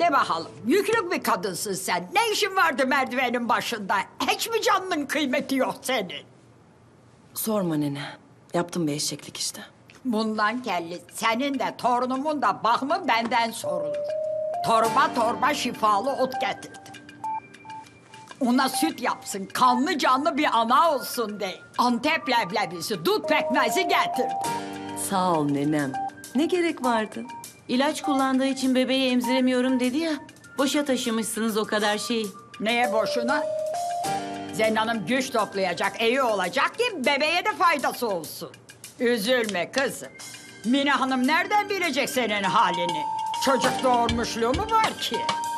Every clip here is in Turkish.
De bakalım, yüklük bir kadınsın sen. Ne işin vardı merdivenin başında? Hiç mi canının kıymeti yok senin? Sorma nene. Yaptım bir eşeklik işte. Bundan kelli, senin de torunumun da bakımı benden sorulur. Torba torba şifalı ot getirdim. Ona süt yapsın, kanlı canlı bir ana olsun diye. Antep leblebisi, dut pekmezi getirdim. Sağ ol nenem. Ne gerek vardı? İlaç kullandığı için bebeği emziremiyorum dedi ya. Boşa taşımışsınız o kadar şeyi. Neye boşuna? Zennan'ım güç toplayacak, iyi olacak ki bebeğe de faydası olsun. Üzülme kızım. Mine Hanım nereden bilecek senin halini? Çocuk doğurmuşluğu mu var ki?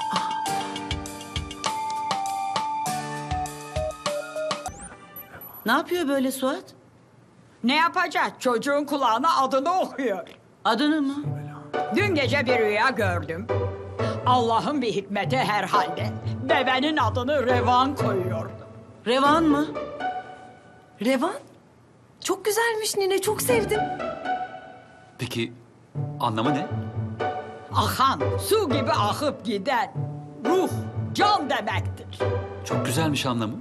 Ne yapıyor böyle Suat? Ne yapacak? Çocuğun kulağına adını okuyor. Adını mı? Dün gece bir rüya gördüm. Allah'ın bir hikmeti herhalde. Bebenin adını Revan koyuyordu. Revan mı? Revan. Çok güzelmiş nine. Çok sevdim. Peki anlamı ne? Akan, su gibi akıp giden ruh, can demektir. Çok güzelmiş anlamı.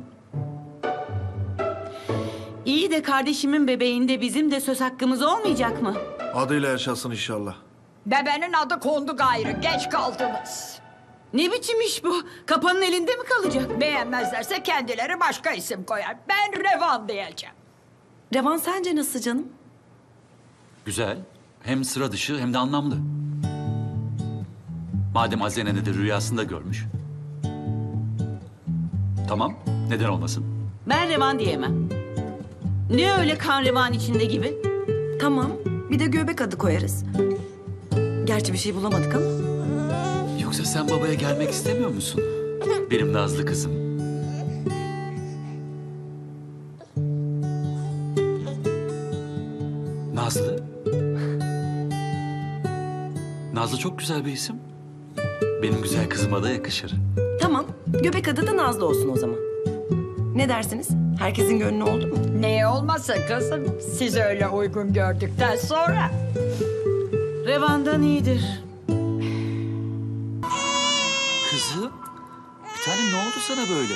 İyi de kardeşimin bebeğinde bizim de söz hakkımız olmayacak mı? Adıyla yaşasın inşallah. Bebenin adı kondu gayrı, geç kaldınız. Ne biçim iş bu? Kapanın elinde mi kalacak? Beğenmezlerse kendileri başka isim koyar. Ben Revan diyeceğim. Revan sence nasıl canım? Güzel. Hem sıra dışı hem de anlamlı. Madem Azene de rüyasında görmüş. Tamam, neden olmasın? Ben Revan diyemem. Ne öyle kan revan içinde gibi? Tamam. Bir de göbek adı koyarız. Gerçi bir şey bulamadık ama. Yoksa sen babaya gelmek istemiyor musun? Benim nazlı kızım. Nazlı? Nazlı çok güzel bir isim. Benim güzel kızıma da yakışır. Tamam. Göbek adı da Nazlı olsun o zaman. Ne dersiniz? Herkesin gönlü oldu mu? Neye olmasın kızım? Siz öyle uygun gördükten sonra. Revan'dan iyidir. Kızım, bir tanem ne oldu sana böyle?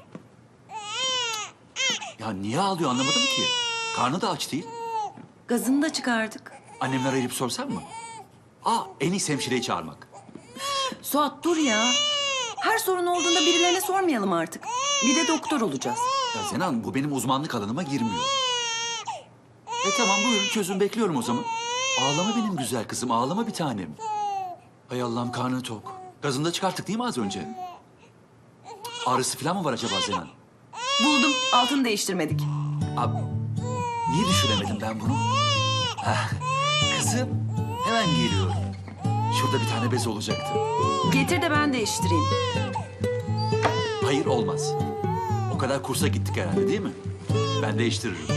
Ya niye ağlıyor anlamadım ki. Karnı da aç değil. Gazını da çıkardık. Annemler arayıp sorsam mı? En iyisi hemşireyi çağırmak. Suat dur ya. Her sorun olduğunda birilerine sormayalım artık. Bir de doktor olacağız. Ya Zenan bu benim uzmanlık alanıma girmiyor. Tamam buyurun çözüm bekliyorum o zaman. Ağlama benim güzel kızım ağlama bir tanem. Hay Allah'ım karnı tok. Gazını da çıkarttık değil mi az önce? Ağrısı falan mı var acaba Zenan? Buldum. Altını değiştirmedik. Abi, niye düşünemedim ben bunu? Heh, kızım hemen geliyorum. Şurada bir tane bez olacaktı. Getir de ben değiştireyim. Hayır olmaz. O kadar kursa gittik herhalde değil mi? Ben değiştiririm.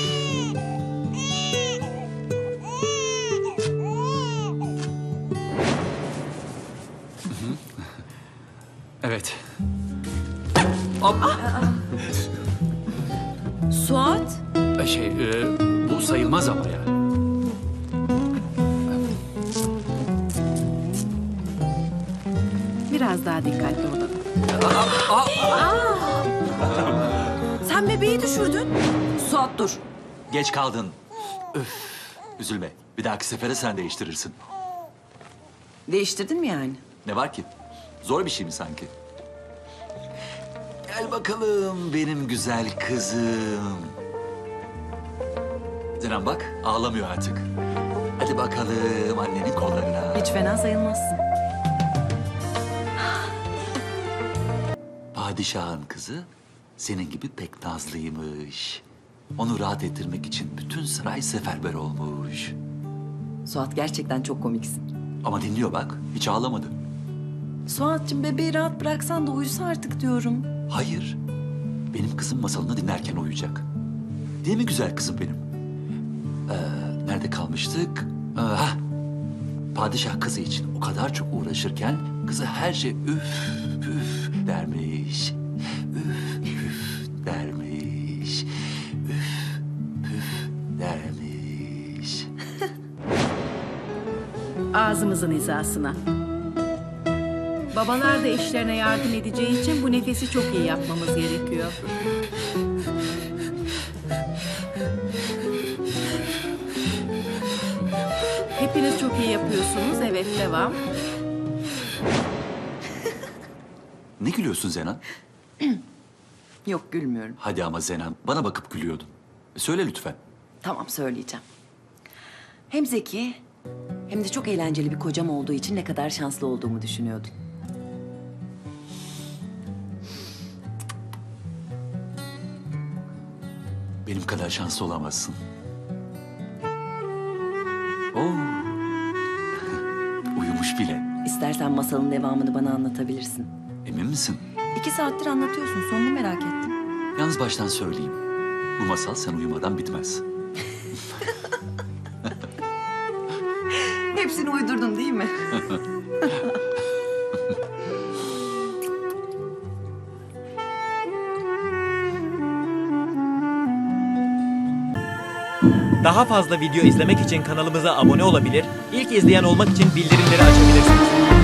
Hı hı. Evet. Hop. Suat. Bu sayılmaz ama ya. Biraz daha dikkatli olalım. Sen bebeği düşürdün. Suat dur. Geç kaldın. Üf. Üzülme. Bir dahaki sefere sen değiştirirsin. Değiştirdin mi yani? Ne var ki? Zor bir şey mi sanki? Gel bakalım benim güzel kızım. Zenan bak ağlamıyor artık. Hadi bakalım annenin kollarına. Hiç fena sayılmazsın. Padişahın kızı senin gibi pek nazlıymış. Onu rahat ettirmek için bütün saray seferber olmuş. Suat gerçekten çok komiksin. Ama dinliyor bak hiç ağlamadı. Suat'cığım bebeği rahat bıraksan da uyusa artık diyorum. Hayır. Benim kızım masalını dinlerken uyuyacak. Değil mi güzel kızım benim? Nerede kalmıştık? Padişah kızı için o kadar çok uğraşırken kızı her şey üf üf dermiş. Üf üf dermiş. Üf üf dermiş. Ağzımızın hizasına. Babalar da eşlerine yardım edeceği için bu nefesi çok iyi yapmamız gerekiyor. Hepiniz çok iyi yapıyorsunuz. Evet, devam. Ne gülüyorsun Zenan? Yok gülmüyorum. Hadi ama Zenan, bana bakıp gülüyordun. Söyle lütfen. Tamam söyleyeceğim. Hem zeki hem de çok eğlenceli bir kocam olduğu için ne kadar şanslı olduğumu düşünüyordum. Benim kadar şanslı olamazsın. Oo. Uyumuş bile. İstersen masalın devamını bana anlatabilirsin. Emin misin? 2 saattir anlatıyorsun. Sonunu merak ettim. Yalnız baştan söyleyeyim. Bu masal sen uyumadan bitmez. Hepsini uydurdun değil mi? Daha fazla video izlemek için kanalımıza abone olabilir, ilk izleyen olmak için bildirimleri açabilirsiniz.